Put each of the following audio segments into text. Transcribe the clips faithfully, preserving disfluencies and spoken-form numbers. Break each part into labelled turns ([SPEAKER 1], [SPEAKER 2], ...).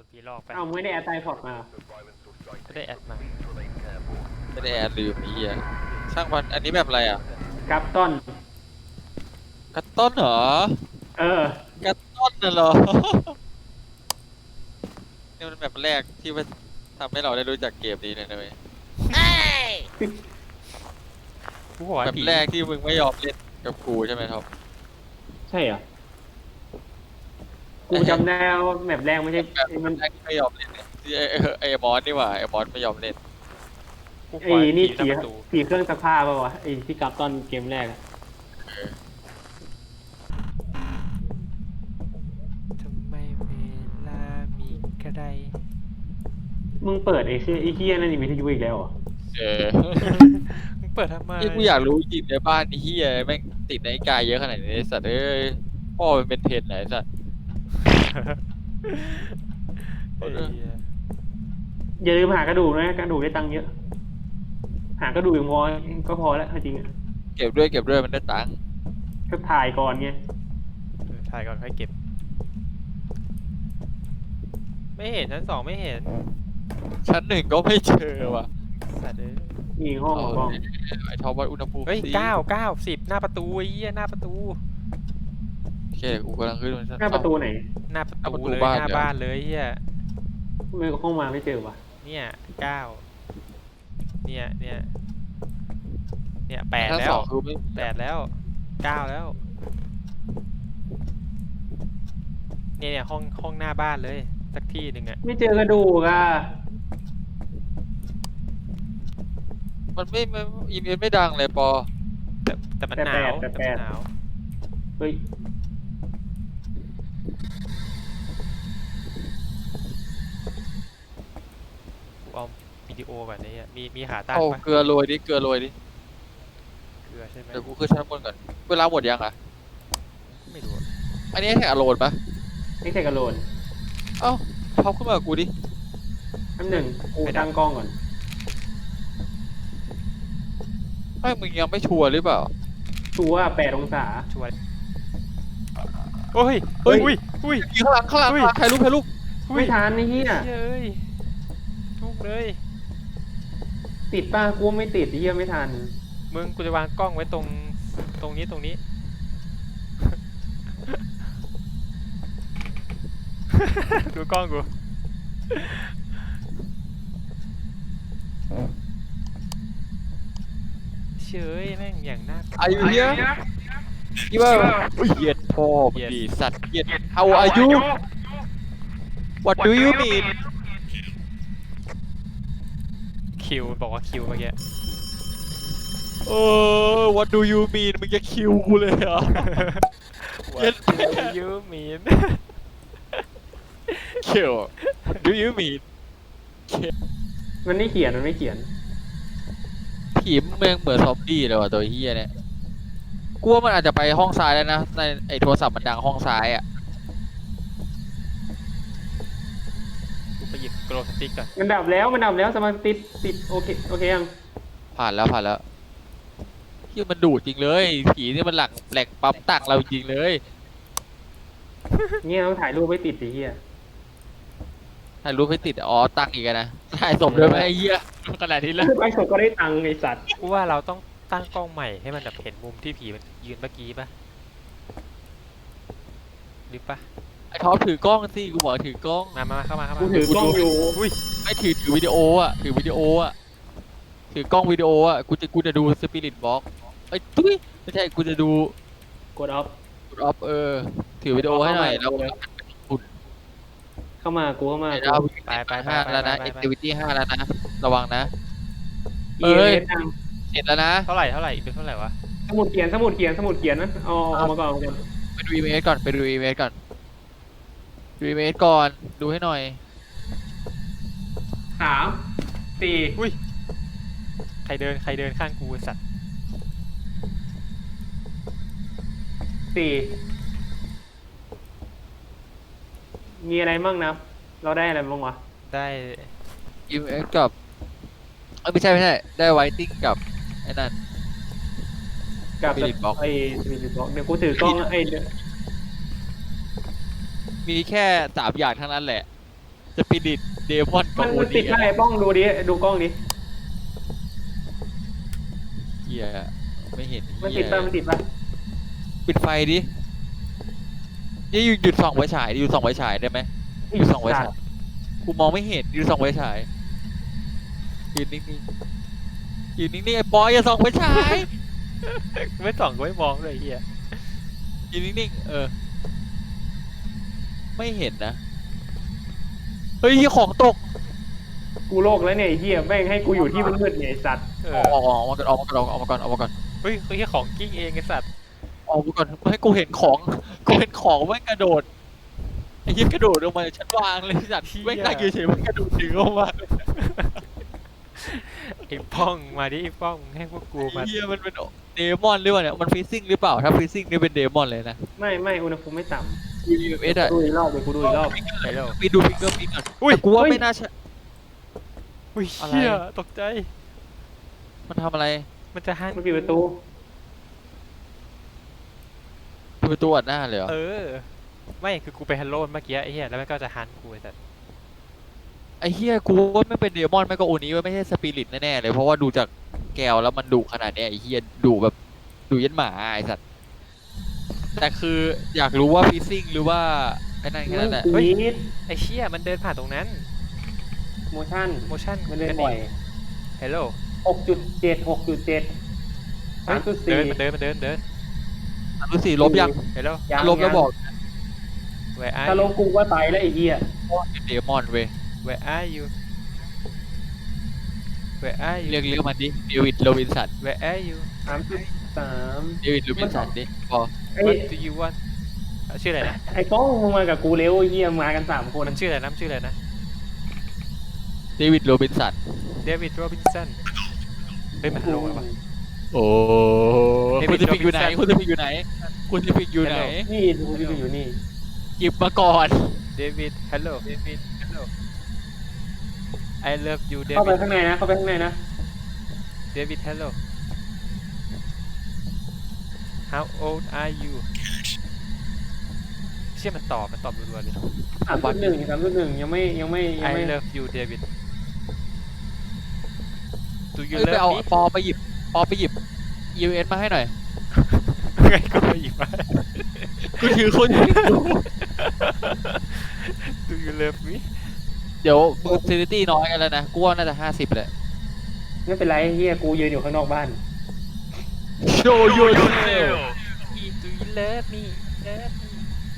[SPEAKER 1] นผีหลอกไป
[SPEAKER 2] เอาไม่ได้แอดไตพอร์ตมา
[SPEAKER 1] ไม่ได้แอดมา
[SPEAKER 3] ไม่ได้แอดลืมไอ้เหี้ยช่างมันอันนี้แบบอะไรอ่ะ
[SPEAKER 2] กับต้น
[SPEAKER 3] กัตต้นเหรอ
[SPEAKER 2] เออ
[SPEAKER 3] กัตต้นน่ะเหรอนี่มันแบบแรกที่มันทำให้เราได้รู้จักเกมนี้เลยนะเว้ยแบบแรกที่มึงไม่ยอมเล่นกับกูใช่ไหมท็อป
[SPEAKER 2] ใช่เหรอกูจำได้ว่าแมปแรกไม่ใช่มัน
[SPEAKER 3] แรกไม่ยอมเล่นเนี่ยไอ้ไอ้มอสนี่หว่าไอ้มอสไม่ยอมเล่น
[SPEAKER 2] ไอ้นี่ผีผีเครื่องซักผ้าป่าวะไอ้ที่กับตอนเกมแรก
[SPEAKER 1] ทำไมเวลามีกระได
[SPEAKER 2] มึงเปิดไอ้ชื่อไอ้เฮียนั่นนี่วิทยุอีกแล้วเหรอ
[SPEAKER 3] เออ
[SPEAKER 1] มึงเปิดทำไม
[SPEAKER 3] นี่กูอยากรู้จริงในบ้านนี่เฮียแม่งติดในกายเยอะขนาดนี้สัตว์เอ้ยพ่อมันเป็นเทรนไหนสัตว์
[SPEAKER 2] อย่าลืมหากระดูกนะกระดูกได้ตังค์เยอะหากระดูกอย่างพอก็พอแล้วจริงอ่ะ
[SPEAKER 3] เก็บด้วยเก็บด้วยมันได้ตังค์
[SPEAKER 2] ก็ถ่ายก่อนไง
[SPEAKER 1] ถ่ายก่อนค่อยเก็บไม่เห็นชั้นสองไม่เห็น
[SPEAKER 3] ชั้นหนึ่งก็ไม่เจอว่ะ
[SPEAKER 1] สัตว์เอ้ย
[SPEAKER 2] มีห้องห้อง
[SPEAKER 3] ไอ้ท็อปวัดอุณหภูมิ
[SPEAKER 1] เฮ้ยเก้าเก้าสิบหน้าประตูไอ้เหี้ยหน้าประตู
[SPEAKER 3] โอเคกูกำลังขึ้น
[SPEAKER 2] หน้าประตูไหน
[SPEAKER 1] หน้าประตูเลยหน้าบ้านเลยเหี้ย
[SPEAKER 2] ไม่ห้องมาไม่เจอว่ะ
[SPEAKER 1] เนี่ยเก้าเนี่ยเนี่ยเนี่ยแปดแล้วแปดแล้วเก้าแล้วเนี่ยเนี่ยห้องห้องหน้าบ้านเลยสักที่หนึ่งอ่ะ
[SPEAKER 2] ไม่เจอกระดูกอ่ะ
[SPEAKER 3] มันไม่ไม่อีเมลไม่ดังเลยปอ
[SPEAKER 1] แต่แต่มันหนาวแต่มันหนาว
[SPEAKER 2] เฮ้ย
[SPEAKER 1] เอาวิดีโอแบบนี้มีมีขาตั้ง
[SPEAKER 3] ปะเกลือโรยดิเกลือโรยดิ
[SPEAKER 1] เกลือใช่ไหม
[SPEAKER 3] เดี๋ยวกูขึ้นชั้นบนก่อนเวลาหมดยังอ่ะ
[SPEAKER 1] ไม่รู้
[SPEAKER 3] อันนี้แค่อโรนปะ
[SPEAKER 2] ไม่ใช่กระโหลก
[SPEAKER 3] เอ้าท็อปขึ้นมากับกูดิ
[SPEAKER 2] อันหนึ่งกูตั้งกล้องก่อน
[SPEAKER 3] ไม่มึงยังไม่ชัวร์หรือเปล่า
[SPEAKER 2] ชัวร์แปดองศา
[SPEAKER 1] ชัวร์โอ้ยเฮ้ยอุ้ยอุ้ย
[SPEAKER 3] ข้างหลังข้างหลังใครลุกใครลุก
[SPEAKER 2] ไม่ทันนี่เฮีย
[SPEAKER 1] เฮ้ยทุกเลย
[SPEAKER 2] ติดป้ากูไม่ติดเฮียไม่ทัน
[SPEAKER 1] มึงกูจะวางกล้องไว้ตรงตรงนี้ตรงนี้ดูกล้องกูเฉยแม่งอย่างน่า
[SPEAKER 3] อายุเยอะยี่ว่าเหยียดพ่อดีสัตว์เหยียดเอาอายุ What do you mean
[SPEAKER 1] คิวบอกว่าคิวเมื่อกี้
[SPEAKER 3] เออ What do you mean มึงจะคิวกูเลยเหรอ
[SPEAKER 1] What do you mean
[SPEAKER 3] คิว do you mean
[SPEAKER 2] มันไม่เขียนมันไม่เขียน
[SPEAKER 3] ผีเมืองเหมือนซอมบี้เลยว่ะตัวเฮียเนี่ยกูว่ามันอาจจะไปห้องซ้ายแล้วนะในไอโทรศัพท์มันดังห้องซ้ายอ่ะ
[SPEAKER 1] กูไปหยิบโกลสติ๊กก่อน
[SPEAKER 2] มันดับแล้วมันดับแล้วสมาร์ทติดติดโอเคโอเคยัง
[SPEAKER 3] ผ่านแล้วผ่านแล้วที่มันดูดจริงเลยผีนี่มันหลังแหลกปั๊มตังเราจริงเลย
[SPEAKER 2] เนี่ยต้องถ่ายรูปไว้ติดสิเฮีย
[SPEAKER 3] ถ่ายรูปให้ติดอ๋อตังอีกนะถ่ายศพด้วยไหมไอ้เหี้ยขนาดนี้แล้ว
[SPEAKER 2] ไอ้ศพก็ได้ตังไอ้สัตว์
[SPEAKER 1] กูว่าเราต้องตั้งกล้องใหม่ให้มันแบบเห็นมุมที่ผีมันยืนเมื่อกี้ป่ะหรือป่ะ
[SPEAKER 3] ไอ้ท็อปถือกล้องสิกูบอกถือกล้อง
[SPEAKER 1] มามาเข้ามาเข้ามา
[SPEAKER 2] กูถือกล้องอยู่
[SPEAKER 3] อุ้ยไม่ถือถือวิดีโออ่ะถือวิดีโออ่ะถือกล้องวิดีโออ่ะกูจะกูจะดูสปิริตบ็อกไอ้ตุ้ยไม่ใช่กูจะดู
[SPEAKER 2] กดออฟ
[SPEAKER 3] กดออฟเออถือวิดีโอให้หน่อยแล้ว
[SPEAKER 2] เข้ามากูเข้ามา
[SPEAKER 1] ไปไป
[SPEAKER 3] ห้าแล้วนะ activity ห้าแล้วนะระวังนะ
[SPEAKER 2] เอ้ย
[SPEAKER 3] เห็นแล้วนะ
[SPEAKER 1] เท่าไหร่เท่าไหร่อีกเป็นเท่าไหร่วะ
[SPEAKER 2] สมุดเขียนสมุดเขียนสมุดเขียนนะเอาเอามาก่อน
[SPEAKER 3] ไปดูอีเมลก่อนไปดูอีเมลก่อนดูอีเมลก่อนดูให้หน่อย
[SPEAKER 2] สามสี่
[SPEAKER 1] อุ้ยใครเดินใครเดินข้างกูสัตว์
[SPEAKER 2] สี่มีอะไรบ้างนะเราได้อะไรบ้างวะ
[SPEAKER 1] ได้
[SPEAKER 3] อีเมลกับเออไม่ใช่ไม่ใช่ได้ไวติ้งกับไอ้นั่น
[SPEAKER 2] กับสปิริตบ็อกไอ้สปิริตบ็อกเดี๋ยวกูถือกล้องไอ้
[SPEAKER 3] มีแค่สามอย่างทั้งนั้นแหละสปิริตเดมอนกั
[SPEAKER 2] มั
[SPEAKER 3] บ
[SPEAKER 2] น
[SPEAKER 3] โอ
[SPEAKER 2] มัน
[SPEAKER 3] ดี
[SPEAKER 2] ติดอะไรป้องดูดิดูกล้องดิ
[SPEAKER 3] เฮียไม่เห็น
[SPEAKER 2] มัน
[SPEAKER 3] เฮี
[SPEAKER 2] ติด
[SPEAKER 3] ย
[SPEAKER 2] ป่ะมันติดป่ะ
[SPEAKER 3] ปิดไฟดินี่หยุดหยุดส่องไฟฉายดิหยุดส่องไฟฉายได้ไหมหยุดส่องไฟฉายกูมองไม่เห็นหยุดส่องไฟฉายยืนนิ่งๆยืนนิ่งๆไอ้ปอยอย่าส่องไฟฉาย
[SPEAKER 1] ไม่ส่องก็ไม่มองเลยเฮีย
[SPEAKER 3] ยืนนิ่งๆเออ ไม่เห็นนะเฮ้ยของตก
[SPEAKER 2] กูโลกแล้วเนี่ยไอ้เหี้ยแม่งให้กูอยู่ที่มืดๆเนี่ยไอ้สัตว์
[SPEAKER 1] เอ
[SPEAKER 3] อ
[SPEAKER 1] อ
[SPEAKER 3] อกออกออกมาก่อนออกมาก่อนออกมาก่อนออกมาก่อน
[SPEAKER 1] เฮ้ยเฮียของกิ้งเองไอ้สัตว์
[SPEAKER 3] ออกมาก่อนไม่ให้กูเห็นของกูเห็นของแม่งกระโดดไอ้เหี้ยกระโดดลงมาจากชั้นวางเลยสัตว์แม่งนั่งเฉยๆแม่งกระโดดถึงลงมา
[SPEAKER 1] ไอ้ป้องมาดิไอ้ป้องให้พวกกูมา
[SPEAKER 3] ไอ้เหี้ยมันเป็นเดมอนหรือเปล่าเนี่ยมันฟิซซิ่งหรือเปล่าถ้าฟิซซิ่งนี่เป็นเดมอนเลยนะ
[SPEAKER 2] ไม่ไม่อุณหภูมิไม่ต่
[SPEAKER 3] ยูเอส
[SPEAKER 2] ำ
[SPEAKER 3] อะ
[SPEAKER 2] ดูอีกรอบเดี๋ยวกูดูอีกรอบ
[SPEAKER 1] ไปแล้ว
[SPEAKER 3] ไปดูฟิงเกอร์พิ้นก่อน
[SPEAKER 1] อุ้ย
[SPEAKER 3] แต่กูว่า
[SPEAKER 2] เฮ้ย
[SPEAKER 3] ไม่น่าใช่
[SPEAKER 1] อุ้ย
[SPEAKER 3] อะไร
[SPEAKER 1] เฮียตกใจ
[SPEAKER 3] มันทำอะไร
[SPEAKER 1] มันจะหัน
[SPEAKER 2] มันปิดประตู
[SPEAKER 3] ดูประตัวอัดหน้าเลยเหรอ
[SPEAKER 1] เออ ไม่คือกูไปฮัลโหลเมื่อกี้ไอ้เหี้ยแล้วมันก็จะฮันกูไอ้สัตว์
[SPEAKER 3] ไอ้เหี้ยกูว่าไม่เป็นเดมอนไม่ก็โอนี้ไม่ใช่สปิริตแน่ๆเลยเพราะว่าดูจากแก้วแล้วมันดุขนาดเนี้ยไอ้เหี้ยดุแบบดุยันหมาไอ้สัตว์แต่คืออยากรู้ว่าฟิซซิ่งหรือว่าไอ้นั่นแค่นั้นแหละ
[SPEAKER 2] เฮ้ย
[SPEAKER 1] ไอ้เชี่ยมันเดินผ่านตรงนั้น
[SPEAKER 2] โมชั่น
[SPEAKER 1] โมชั่น
[SPEAKER 2] มันเล่นบ่อย
[SPEAKER 1] ฮัลโหล
[SPEAKER 2] หกจุดเจ็ดหกจุดเจ็ดสามจุด
[SPEAKER 1] เดิ
[SPEAKER 2] สี่
[SPEAKER 1] นมันเดินมันเดินเดิน
[SPEAKER 3] รู้สิลบยัง
[SPEAKER 1] ฮัลโหล
[SPEAKER 2] ยัง
[SPEAKER 3] ลบแล้วบอก
[SPEAKER 1] where
[SPEAKER 2] ถ้า
[SPEAKER 1] are
[SPEAKER 2] ล
[SPEAKER 1] you
[SPEAKER 2] งกูว่าตายแล้วไอ้เหี้ย
[SPEAKER 3] เป็นเดมอนเว้ย
[SPEAKER 1] where are you where are you
[SPEAKER 3] เรียกเรียกมันดิเดวิดโรบินสัน
[SPEAKER 1] where are you
[SPEAKER 2] สามจุดสาม
[SPEAKER 3] เดวิดโรบินสันดิพอ
[SPEAKER 2] ไอ้
[SPEAKER 1] what do you want อ่ะชื่ออะไรนะ
[SPEAKER 2] ไอ้ป้องมึงมากับกูเร็วไอ้เหี้ยมากันสามคน
[SPEAKER 1] มันชื่ออะไรนะมันชื่ออะไรนะ
[SPEAKER 3] เดวิดโรบินสัน
[SPEAKER 1] เดวิดโรบินสันเฮ้ยมันฮัลโหลแล้วปะ
[SPEAKER 3] โอ้
[SPEAKER 1] เดวิ
[SPEAKER 3] คุ
[SPEAKER 1] ด
[SPEAKER 3] ณจะพิกอยู่ไหน
[SPEAKER 1] Robinson
[SPEAKER 3] คุณจะพิกอยู่ไหนคุณจะพิกอยู่ไหน
[SPEAKER 2] นี่ดูที่กูอยู่นี่
[SPEAKER 3] หยิบมาก่อน
[SPEAKER 1] เดวิดฮัลโหลเดวิดฮัลโหล I love you เด
[SPEAKER 2] เข้าไป
[SPEAKER 1] วิด
[SPEAKER 2] ข้างในนะเข้าไปข้างในนะ
[SPEAKER 1] เดวิดฮัลโหล How old are you เชื่อมันตอบมันตอบรัวๆเลย
[SPEAKER 2] สามจุดหนึ่งสามจุดหนึ่งยังไม่ยังไม่ยัง
[SPEAKER 1] I
[SPEAKER 2] ไม่
[SPEAKER 1] love you David Do you
[SPEAKER 3] เอ้ยไป
[SPEAKER 1] love
[SPEAKER 3] เอา
[SPEAKER 1] me
[SPEAKER 3] ปอไปหยิบปอไปหยิบ ยู เอส มาให้หน่อย
[SPEAKER 1] ไงก็ไม่หยิบมา
[SPEAKER 3] กูถือคนอยู่
[SPEAKER 1] Do you love me
[SPEAKER 3] เดี๋ยวมึงเซนิตี้น้อยกันแล้วนะกูว่าน่าจะห้าสิบแหละ
[SPEAKER 2] ไม่เป็นไรเฮียกูยืนอยู่ข้างนอกบ้าน
[SPEAKER 3] Show yourself
[SPEAKER 1] Do you love me love me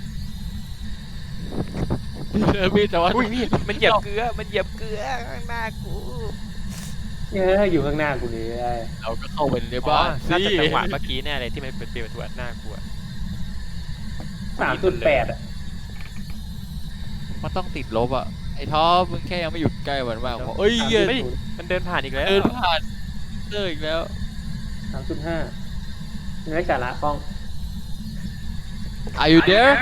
[SPEAKER 3] เออพี่แต่ว่า
[SPEAKER 1] อุ้ยนี่มันเหยียบเกลือมันเหยียบเกลือข้างหน้ากู
[SPEAKER 2] เอออยู่ข้างหน้ากูเลย
[SPEAKER 3] เราก็เข้าไปใน
[SPEAKER 1] อ๋อ
[SPEAKER 3] บ้าน
[SPEAKER 1] น่าจะ
[SPEAKER 3] สิ
[SPEAKER 1] จังหวะเมื่อกี้แน่เลยที่มันเปิดเปิดประตูอัดหน้ากูอะ
[SPEAKER 2] สามจุดแปดอ่ะ
[SPEAKER 3] มันต้องติดลบอ่ะไอ้ท็อปมึงแค่ยังไม่หยุดใกล้มันมากพอเอ้ยเหี้ย
[SPEAKER 1] เฮ้ยมันเดินผ่านอีกแล้ว
[SPEAKER 3] เดินผ่านเจออีกแล้ว
[SPEAKER 2] สามจุดห้าไม่ได้สาระป้อง
[SPEAKER 3] Are you there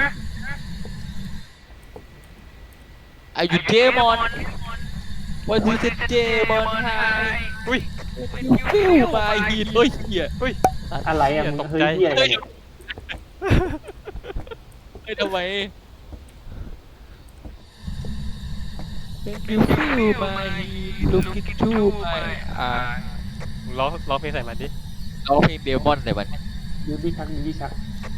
[SPEAKER 3] Are you demon What is it demon hi
[SPEAKER 1] อุ้ย
[SPEAKER 3] Feel my heat เฮ้ยเหี้ย
[SPEAKER 1] อุ้ย
[SPEAKER 2] อะไรอ่ะมึง
[SPEAKER 1] ตก
[SPEAKER 2] เฮ้ย
[SPEAKER 1] ใจ
[SPEAKER 2] เฮียอะไรเนี่ย
[SPEAKER 3] เฮ้ยทำไม When you feel my heat Look into my eyes
[SPEAKER 1] ร้องร้องเพลงใส่มันดิ
[SPEAKER 3] ร้องเพลงเดมอนใส่มัน
[SPEAKER 2] ยูบี้ชักยูบี้ชัก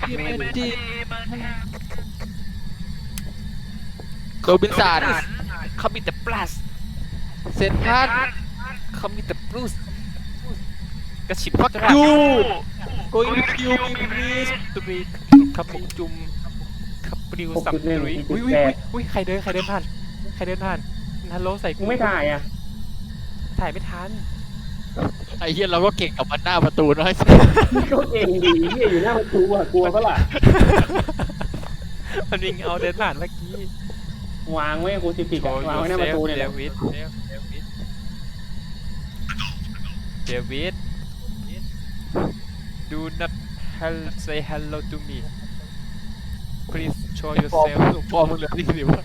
[SPEAKER 3] โรบินสัน
[SPEAKER 1] เขามีแต่ plus
[SPEAKER 3] เซนทัส
[SPEAKER 1] เขามีแต่ plus กระฉิบ
[SPEAKER 3] ฟัก
[SPEAKER 1] กระ
[SPEAKER 3] ยู going to kill me please
[SPEAKER 1] ตุยขับปุจุมขับปลิวสับ
[SPEAKER 2] หกจุดหนึ่ง
[SPEAKER 1] ตุย
[SPEAKER 2] สี่จุ
[SPEAKER 1] อุ้
[SPEAKER 2] ด
[SPEAKER 1] ย
[SPEAKER 2] แป
[SPEAKER 1] อุ้ย
[SPEAKER 2] ด
[SPEAKER 1] อุ้ยใครเดินใครเดินผ่านใครเดินผ่านฮัลโหลใส่
[SPEAKER 2] มึงไม่ถ่ายอ่ะ
[SPEAKER 1] ถ่ายไม่ทัน
[SPEAKER 3] ไอ้เหี้ยเราก็เก่งกับมันหน้าประตูน้อยสิ
[SPEAKER 2] ก็เองดีเฮียอยู่หน้าประตูอ่ะกลัวปะล่ะ
[SPEAKER 1] มันวิ่งเอาเดินผ่านเมื่อกี้
[SPEAKER 2] วางไว้กูสิบปีก
[SPEAKER 1] โช
[SPEAKER 2] อะ
[SPEAKER 1] ว์
[SPEAKER 2] วาง
[SPEAKER 1] ยู
[SPEAKER 2] ไว้หน้า
[SPEAKER 1] เซ
[SPEAKER 2] ประ
[SPEAKER 1] ล
[SPEAKER 2] ตูเนี่ย
[SPEAKER 1] เด
[SPEAKER 2] แหละ
[SPEAKER 1] วิดเดวิด do not hel say hello to me please show
[SPEAKER 3] ฟอร์
[SPEAKER 1] yourself
[SPEAKER 3] มฟอร์มมึงเหลือที่สิบ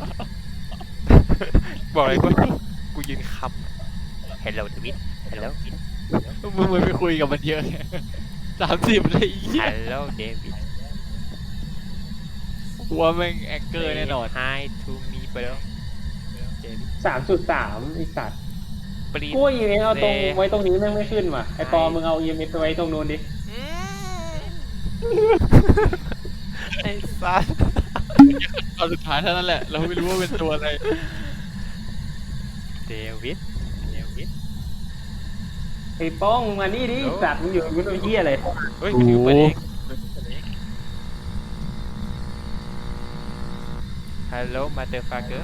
[SPEAKER 1] บอกเลยกูกูยืนคำ hello เดวิด hello
[SPEAKER 3] มึงไม่ไปคุยกับมันเยอะไงสามสิบเลยไอ้เหี้ย
[SPEAKER 1] hello เดวิด
[SPEAKER 3] กลัวแม่งแองเกอร์แน่นอน
[SPEAKER 1] Say hi to me bro เดวิด
[SPEAKER 2] สามจุดสามไอสัตว์
[SPEAKER 1] ปรี
[SPEAKER 2] กูว่า อี เอ็ม เอส เอาตรง
[SPEAKER 1] เด
[SPEAKER 2] ไว้ตรงนี้แม่งไม่ขึ้นว่ะไอปอมึงเอา อี เอ็ม เอส ไปไว้ตรงนู้นดิ
[SPEAKER 1] อืมไอ้สัส
[SPEAKER 3] ตอนสุดท้ายเท่านั้นแหละเราไม่รู้ว่าเป็นตัวอะไร
[SPEAKER 1] เดวิดเดวิด
[SPEAKER 2] ไอป้องมึงมานี่ดิสัตว์มึงอยู่มึงเป็นเหี้ยอะไร
[SPEAKER 1] เฮ้ยคิวเปิดเองฮัลโหลมาเตอร์ฟาเกอร์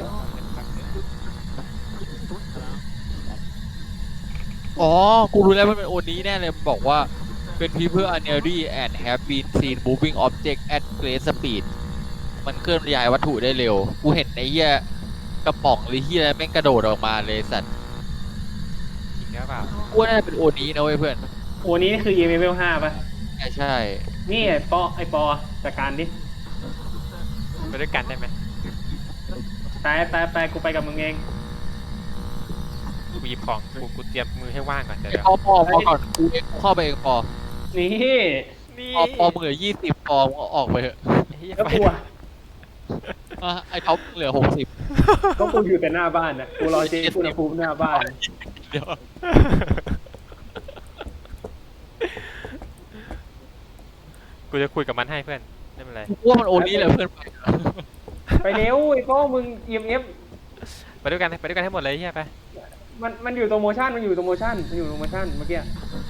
[SPEAKER 3] อ๋อ กูรู้แล้วมันเป็นโอนี้แน่เลยมันบอกว่าเป็น people are nearly and have been seen moving object at great speed มันเคลื่อนย้ายวัตถุได้เร็ว กูเห็นไอ้เหี้ยกระป๋องหรือเหี้ยอะไรแม่งกระโดดออกมาเลยสัตว์
[SPEAKER 1] จริงหรือเปล่า
[SPEAKER 3] กูว่าน่าจะเป็นโอนี้นะเว้ยเพื่อน
[SPEAKER 2] โอ้นี้คือ อี เอ็ม เอส ห้าป่ะ
[SPEAKER 3] ใช่ใช่
[SPEAKER 2] นี่ไอปอไอปอจัดการดิ
[SPEAKER 1] ไปด้วยกันได้ไหม
[SPEAKER 2] ไปไปไปกูไปกับมึงเอง
[SPEAKER 1] กูหยิบของกูกูเตรียมมือให้ว่างก่อนเดี๋ยว
[SPEAKER 3] ไอ้
[SPEAKER 1] เดี๋ยว
[SPEAKER 3] ปอปอพอก่อนกูเองกูเข้าไปเองปอ
[SPEAKER 2] นี่
[SPEAKER 1] นี่
[SPEAKER 3] ปอปอมึงเหลือยี่สิบปอมึงเอาออกไปเถอะ
[SPEAKER 1] เหี้ย
[SPEAKER 2] แล้ว
[SPEAKER 1] ไป
[SPEAKER 2] กูอะ
[SPEAKER 3] อ่ะไอ้ท็อปเหลือหกสิบ
[SPEAKER 2] ก็กูอยู่แต่หน้าบ้านน่ะกูรอเจ๊กูนะภูมิหน้าบ้าน
[SPEAKER 3] เดี๋ยว
[SPEAKER 1] กูจะคุยกับมันให้เพื่อนไม่เป็นไร
[SPEAKER 3] กูว่ามันโอนี้แหละเพื่อนไป
[SPEAKER 2] ไปเร็วไอป้องมึง อี เอ็ม เอส
[SPEAKER 1] ไปด้วยกันไปด้วยกันให้หมดเลยเฮียไป
[SPEAKER 2] มันมันอยู่ตรงโมชั่นมันอยู่ตรงโมชั่นมันอยู่ตรงโมชั่นเมื่อกี้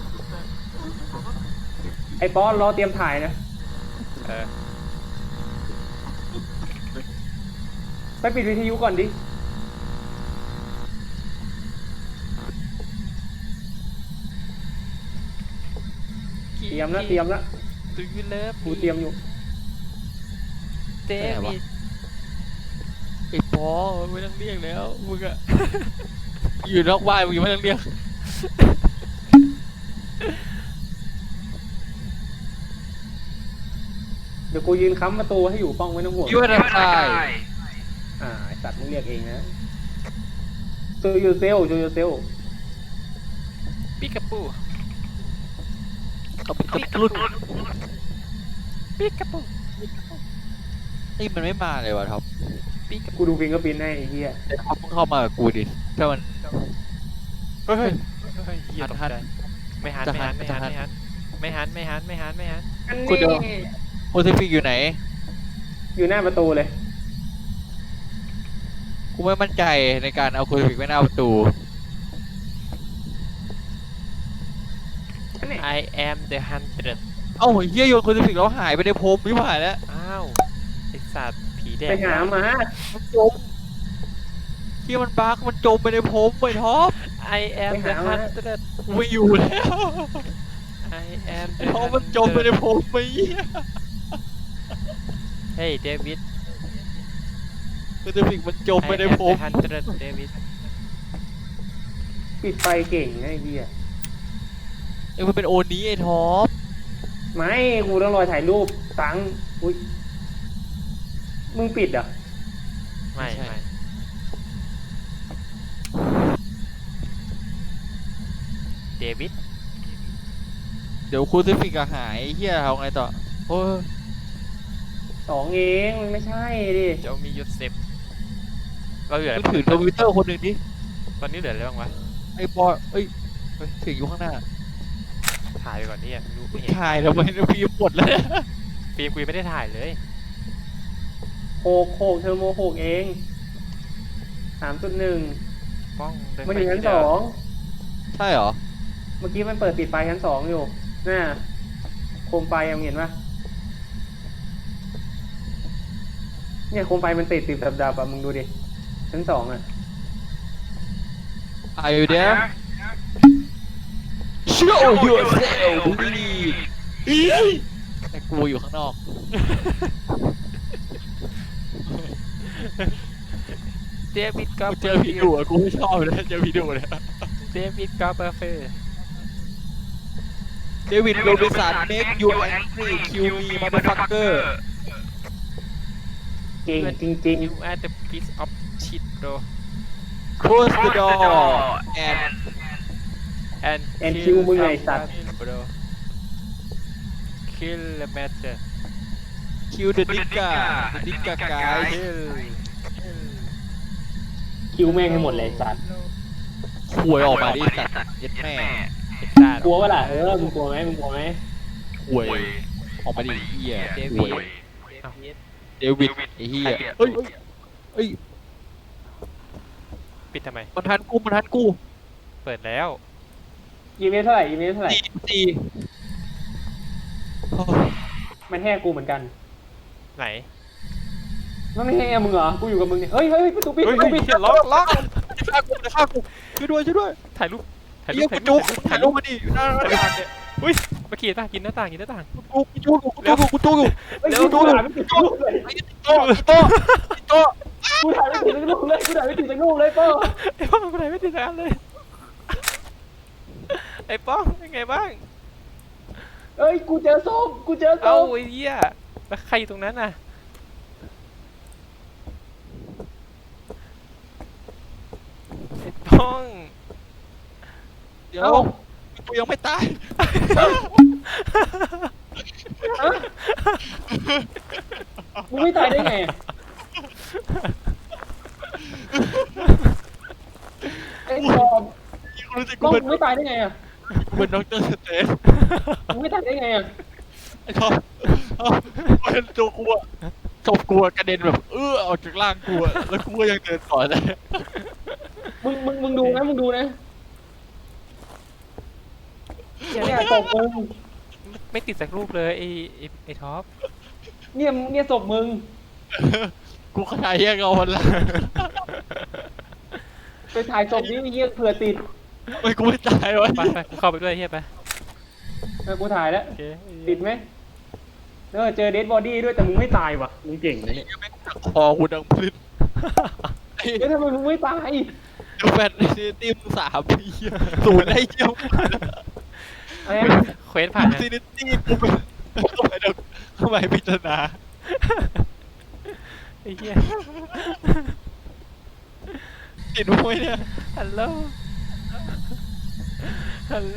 [SPEAKER 2] ไอ้ปอนรอเตรียมถ่ายนะ
[SPEAKER 1] เออ
[SPEAKER 2] ไปปิดวิทยุก่อนดิเตรียมแล้วเตรียมแล้ว
[SPEAKER 1] ดูยูเลิฟ
[SPEAKER 2] กูเตรียมอยู่
[SPEAKER 1] เดวิด
[SPEAKER 3] ไอ้ปอไม่ต้องเรียกแล้วมึงอะ อยู่นอกบ้านมึงยังไม่ต้องเรียก
[SPEAKER 2] เดี๋ยวกูยืนค้ำประตูให้อยู่ป้องไม่ต้องห่วง
[SPEAKER 3] You are the guy
[SPEAKER 2] อ่าไอ้สัตว์มึงเรียกเองนะโจยูเซลโจยูเซล
[SPEAKER 1] ปิกาปู
[SPEAKER 3] เขาเป็นเขารุ่น
[SPEAKER 1] ปิกาปู
[SPEAKER 3] นี่มันไม่มาเลยวะท็อป
[SPEAKER 1] ปิกาปู
[SPEAKER 2] กูดูฟิงเกอร์พิ้นให้ไอ้เหี้ย
[SPEAKER 3] ไอ้ท็อปมึงเข้ามากับกูดิถ้ามัน
[SPEAKER 1] เฮ้ยเฮ้ยเฮ้ยเฮียตก
[SPEAKER 3] หัน
[SPEAKER 1] ใจไม่หัน
[SPEAKER 3] จะ
[SPEAKER 1] ไม่
[SPEAKER 3] หั
[SPEAKER 1] หั
[SPEAKER 3] น
[SPEAKER 1] นไม่
[SPEAKER 3] จะ
[SPEAKER 1] หัน
[SPEAKER 3] หัน
[SPEAKER 1] ไม่หันไม่หันไม่หันไม่หันไม่หัน
[SPEAKER 2] อัน
[SPEAKER 3] กูเดี๋ยว
[SPEAKER 2] นี้
[SPEAKER 3] โอซิฟิกอยู่ไหน
[SPEAKER 2] อยู่หน้าประตูเลย
[SPEAKER 3] กูไม่มั่นใจในการเอาโอซิฟิกไว้หน้าประตู
[SPEAKER 2] อันนี้
[SPEAKER 1] I am the hundred
[SPEAKER 3] เอ้าเฮียโยนโอซิฟิกแล้วหายไปในพรมไม่ผ่านแล้ว
[SPEAKER 1] อ้าวไอสัตว์ผีแดง
[SPEAKER 2] ไปหามา
[SPEAKER 3] มันจมเฮียมันบักมันจมไปในพรมไปท็อป
[SPEAKER 1] I am
[SPEAKER 2] ไป
[SPEAKER 1] the
[SPEAKER 2] หามา
[SPEAKER 1] hundred
[SPEAKER 3] กูไม่อยู่แล้ว
[SPEAKER 1] I am
[SPEAKER 3] ไอ้
[SPEAKER 1] the
[SPEAKER 3] ท็อปมันจมไปในพรมไปเฮีย
[SPEAKER 1] เฮ้ยเดวิด
[SPEAKER 3] โอซิฟิกมันจมไปในพรม
[SPEAKER 1] I am the hundred เดวิด
[SPEAKER 2] ปิดไฟเก่งนะไอ้เหี้ย
[SPEAKER 3] เอ้ยมันเป็นโอนี้ไอ้ท็อป
[SPEAKER 2] ไม่กูต้องรอถ่ายรูปตังค์อุ้ยมึงปิดเหรอ่ะ
[SPEAKER 1] ไม่ไม่เดวิด
[SPEAKER 3] เดี๋ยวคูซิฟิกอะหายเฮียเอาไงต่อโอ้ย
[SPEAKER 2] สองเองมันไม่ใช่ดิ
[SPEAKER 1] เจ้ามียูเซฟเราเหลือ
[SPEAKER 3] มึงถือทวิตเตอร์คนหนึ่งดิ
[SPEAKER 1] ตอนนี้เหลืออะไรบ้างวะ
[SPEAKER 3] ไอ้บอยเอ้ยเฮ้ยถึงอยู่ข้างหน้า
[SPEAKER 1] ถ่ายไปก่อนนี่อ่ะไม่รู้
[SPEAKER 3] มึ
[SPEAKER 1] ไม่
[SPEAKER 3] ง
[SPEAKER 1] เห็น
[SPEAKER 3] ถ่ายทำไมเนี่ยพี่หมดแล้วเนี่ย
[SPEAKER 1] ฟิล์มกูยังไม่ได้ถ่ายเลย
[SPEAKER 2] โคกโคกเทอร์โมโคกเองสามจุดหนึ่ง
[SPEAKER 1] ป้องเดิน
[SPEAKER 2] มัน
[SPEAKER 1] ไป
[SPEAKER 2] อยู่ชั้น
[SPEAKER 1] ที่
[SPEAKER 2] ส
[SPEAKER 1] เดิ
[SPEAKER 2] อง
[SPEAKER 3] ใช่เหรอ
[SPEAKER 2] เมื่อกี้มันเปิดปิดไฟชั้นสองอยู่น่าโคมไฟยังเห็นปะเนี่ยโคมไฟมันติดติดดับๆอ่ะมึงดูดิชั้นสองอ่ะ
[SPEAKER 3] Are you there Show yourself please แต่กูอยู่ข้างนอก
[SPEAKER 1] เดวิดก็
[SPEAKER 3] กูเจอพี่ดุอะกูไม่ชอบเลยเจอพี่ดุเลย
[SPEAKER 1] เดวิดก็เบอร์เฟอร์
[SPEAKER 3] เดวิดโรบินสัน make you angry kill me motherfucker
[SPEAKER 2] เก่งจริง
[SPEAKER 1] You are the piece of shit bro
[SPEAKER 3] close the door and
[SPEAKER 1] and
[SPEAKER 2] And kill มึงไงสัตว์
[SPEAKER 1] someone, bro kill the matter
[SPEAKER 3] kill the nigga the nigga guy
[SPEAKER 1] kill
[SPEAKER 2] คิวแม่งให้หมดเลยสัตว์
[SPEAKER 3] ควยออกมาดิสัตว์เย็ดแม่
[SPEAKER 1] เอ็กซ่าก
[SPEAKER 2] ลัววะล่ะเออมึงกลัวไหมมึงกลัวไหม
[SPEAKER 3] ควยออกมาดิไอ้เฮีย
[SPEAKER 1] เด
[SPEAKER 3] ค
[SPEAKER 1] วิ
[SPEAKER 3] ว
[SPEAKER 1] ด
[SPEAKER 3] ยเดวิดไอ้เฮียเฮ้ยเฮ้ย
[SPEAKER 1] ปิดทำไม
[SPEAKER 3] มันทันกูมันทันกู
[SPEAKER 1] เปิดแล้ว
[SPEAKER 2] อีเมลเท่าไหร่อีเมลเท่าไหร่
[SPEAKER 3] สี่สี่โอ้
[SPEAKER 2] มันแห่กูเหมือนกัน
[SPEAKER 1] ไหน
[SPEAKER 2] มันไม่แห่มึงเหรอกูอยู่กับมึงเนี่ยเฮ้ยเฮ้ยประตูปิด
[SPEAKER 1] เฮ้ย
[SPEAKER 2] ประตูปิด
[SPEAKER 1] เฮ้ยล็อกล็อก
[SPEAKER 3] จะฆ่ากูจะฆ่ากูช่วยด้วยช่วยด้วย
[SPEAKER 1] ถ่ายรูปถ่ายรู
[SPEAKER 3] เฮีย
[SPEAKER 1] ป
[SPEAKER 3] กู
[SPEAKER 1] ถ่าย
[SPEAKER 3] จุ
[SPEAKER 1] รู
[SPEAKER 3] ก
[SPEAKER 1] ป
[SPEAKER 3] ถ่ายรูปมาดิหน้าหน้าต่างเนี่ย
[SPEAKER 1] อุ้ยมาขี่หน้ากินหน้าต่างกินหน้าต่าง
[SPEAKER 3] กูกูจุกกูจุกกูจุกอยู่
[SPEAKER 2] เฮ้ย
[SPEAKER 1] เร็ว
[SPEAKER 2] กูถ่ายไม่ติดรูปเลย
[SPEAKER 3] ไอ้โต้โต้โต้
[SPEAKER 2] กูถ่ายไม่ติดรูปเลยกูถ่ายไม่ติดรูปเลยเป้า
[SPEAKER 1] ไอ้ป้องคนไหนไม่ติดงานเลยไอ้ป้องเป็นไงบ้าง
[SPEAKER 2] เฮ้ยกูเจอส้มกูเจอส้
[SPEAKER 1] เอ้าม ไอ้เหี้ยแล้วใครอยู่ตรงนั้นน่ะไอ้ป้อง
[SPEAKER 3] เดี๋ยวกูยังไม่ตาย
[SPEAKER 2] มึงไม่ตายได้ไงไอ้บอม
[SPEAKER 3] กูรู้สึก
[SPEAKER 2] กล้
[SPEAKER 3] กู
[SPEAKER 2] อง
[SPEAKER 3] เป็น
[SPEAKER 2] มึงไม่ตายได้ไงอ่ะ
[SPEAKER 3] กูเป็นด็อกเตอร์สเตน
[SPEAKER 2] มึงไม่ตายได้ไงอ่ะ
[SPEAKER 3] ไอ้ท็อปเอาเป็นตัวกูอะจบกูอะกระเด็นแบบเออออกจากร่างกูอะแล้วกูก็ยังเดินต่อได้
[SPEAKER 2] มึงมึงมึงดูนะมึงดูนะเนี่ยศพมึง
[SPEAKER 1] ไม่ติดสักรูปเลยไอ้ไอ้ไอ้ท็อป
[SPEAKER 2] เนี่ยเนี่ยศพมึง
[SPEAKER 3] กูขยายแยกเอาวันละ
[SPEAKER 2] ไปถ่ายศพนี้เยี่ยเผื่อติด
[SPEAKER 3] ไม่กูไม่ตายวะ
[SPEAKER 1] ไปไปกูเข้าไปด้วยเฮียไป
[SPEAKER 2] เออกูถ่ายแล้ว
[SPEAKER 1] โอเค
[SPEAKER 2] ติดไหมเออเจอเดดบอดี้ด้วยแต่มึงไม่ตายว่ะมึงเก่งนะเนี่ย
[SPEAKER 3] คอกูดังพลินไอ้
[SPEAKER 2] เฮ้ยทำไมมึงไม่ตาย
[SPEAKER 3] แฟนทีมสามปีศูนย์ได้เยี่ยม
[SPEAKER 2] อะไรนะ
[SPEAKER 1] เควสผ่านนะ
[SPEAKER 3] ซีนิตี้กูเป็นเข้าไปดเข้าไปพิจารณา
[SPEAKER 1] ไอ้เหี้ย
[SPEAKER 3] ติดไว้เนี่ย
[SPEAKER 1] ฮัลโหลฮัลโหล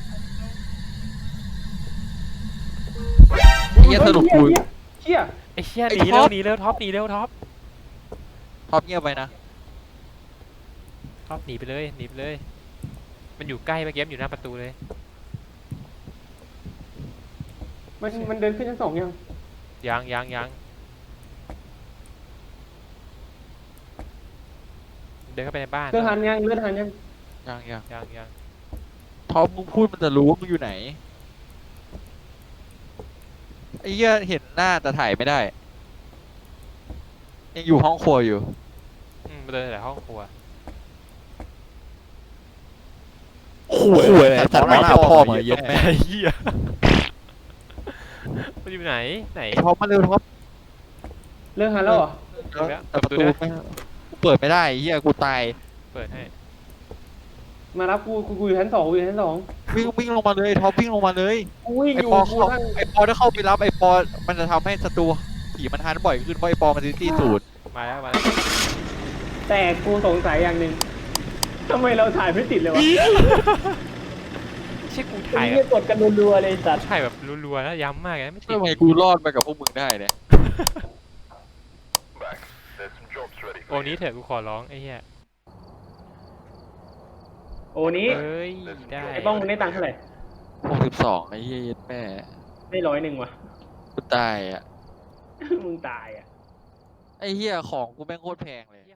[SPEAKER 3] เฮียสรุปกู
[SPEAKER 2] เชี่ย
[SPEAKER 1] ไอ้เหี้ย
[SPEAKER 3] ไอ้
[SPEAKER 1] หนี
[SPEAKER 3] ท็
[SPEAKER 1] เร็
[SPEAKER 3] อ
[SPEAKER 1] ว
[SPEAKER 3] ป
[SPEAKER 1] หนีเร็วท็อปหนีเร็วท็อป
[SPEAKER 3] ท็อปเงียบไปนะ
[SPEAKER 1] ท็อปหนีไปเลยหนีไปเลย มันอยู่ใกล้เมื่อกี้มันอยู่หน้าประตูเลย
[SPEAKER 2] มันมันเดินขึ้นชั้นสองยัง
[SPEAKER 1] ยังยังยังเดินเข้าไปในบ้าน
[SPEAKER 2] เลือดหันยังเลือดหันยัง
[SPEAKER 3] ยังยัง
[SPEAKER 1] ยังยัง
[SPEAKER 3] ท็อปมึงพูดมันจะรู้ว่ามึงอยู่ไหนไอ้เหี้ยเห็นหน้าแต่ถ่ายไม่ได้ ยังอยู่ห้องครัวอยู่
[SPEAKER 1] อืมมาเดินแต่ห้องครัว
[SPEAKER 3] ขู่เลยสัตว์หน้าพ่อมาเย็ดแม่
[SPEAKER 1] ไอ้เหี้ยมันอยู่ไหนไหน
[SPEAKER 3] ไอ้ท็อปมาเร็วท็อป
[SPEAKER 2] เลือดหันแล้วเหรอ
[SPEAKER 3] แต่ประตูไม่กูเปิดไม่ได้ไอ้เหี้ยกูตาย
[SPEAKER 1] เปิดให้
[SPEAKER 2] มารับกูกูกูอยู่ชั้นสองกูอยู่ชั้นสอง
[SPEAKER 3] วิ่งวิ่งลงมาเลยท็อปวิ่งลงมาเลย
[SPEAKER 2] กูวิ่ง
[SPEAKER 3] ไอ
[SPEAKER 2] อยู่
[SPEAKER 3] ปอ
[SPEAKER 2] กู
[SPEAKER 3] เข้า
[SPEAKER 2] นั่ง
[SPEAKER 3] ไอปอถ้าเข้าไปรับไอปอมันจะทำให้ศัตรูผีมันฮันบ่อยขึ้นเพราะไอปอมันซิตี้สูตร
[SPEAKER 1] มาแล้วมาแล้ว
[SPEAKER 2] แต่กูสงสัยอย่างหนึ่งทำไมเราถ่ายไม่ติดเลยวะ
[SPEAKER 1] ใช่กู
[SPEAKER 2] ไอ้
[SPEAKER 1] ถ่ายแบ
[SPEAKER 2] เหี้ย
[SPEAKER 1] บ
[SPEAKER 2] กดกันรัวๆเลยสัตว์
[SPEAKER 1] ถ่ายแบบรัวๆแล้วย้ำมากเลยไม่ติด
[SPEAKER 3] ทำไมกูรอดมากับพวกมึงได้เนี่ย
[SPEAKER 1] โอ้นี้เถอะกูขอร้องไอ้เหี้ย
[SPEAKER 2] โอ้นี้
[SPEAKER 1] เอ้ยได้
[SPEAKER 2] ไอ้ป้องมึงได้ตังค์เท่าไหร่
[SPEAKER 3] หกสิบสองไอ้เหี้ยเย็ดแม่
[SPEAKER 2] ได้ร้อยหนึ่งว่ะ
[SPEAKER 3] กูตายอ่ะ
[SPEAKER 2] มึงตายอ่ะ
[SPEAKER 3] ไอ้เหี้ยของกูแม่งโคตรแพงเลย